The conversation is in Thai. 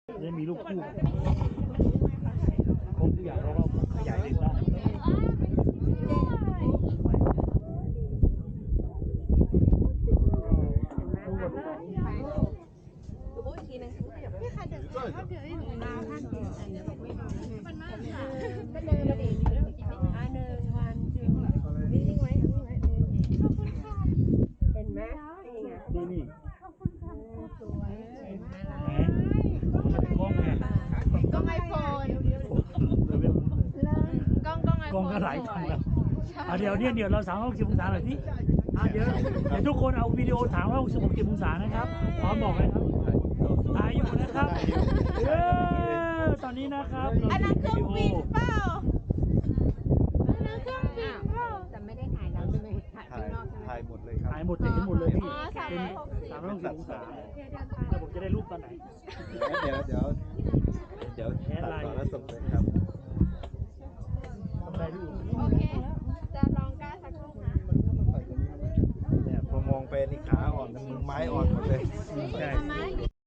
จะมีลูกคู่ครบทุกอย่างเราก็ขยายเลนได้นี่สวยกล้องไงกล้องไอโฟนกล้องไอโฟนกล้องก็หลายพันแล้วเดี๋ยวเรา360 องศาหน่อยที่เดี๋ยวทุกคนเอาวิดีโอ360 องศานะครับพร้อมบอกเลยครับถ่ายอยู่นะครับตอนนี้นะครับอันนั้นเครื่องบินเปล่าอันนั้นเครื่องบินเปล่าแต่ไม่ได้ถ่ายเราใช่ไหมถ่ายข้างนอกใช่ไหมถ่ายหมดเลยครับถ่ายหมดเห็นหมดเลยพี่อ๋อเป็น 360 360 องศาแล้วผมจะได้รูปตอนไหนเดี๋ยวตัดต่อแล้วส่งเลยครับทำได้พี่โอเค จะลองกล้าสักรูปนะเนี่ยพอมองไปนี่ขาอ่อนมือไม้อ่อนหมดเลยใช่ทำไม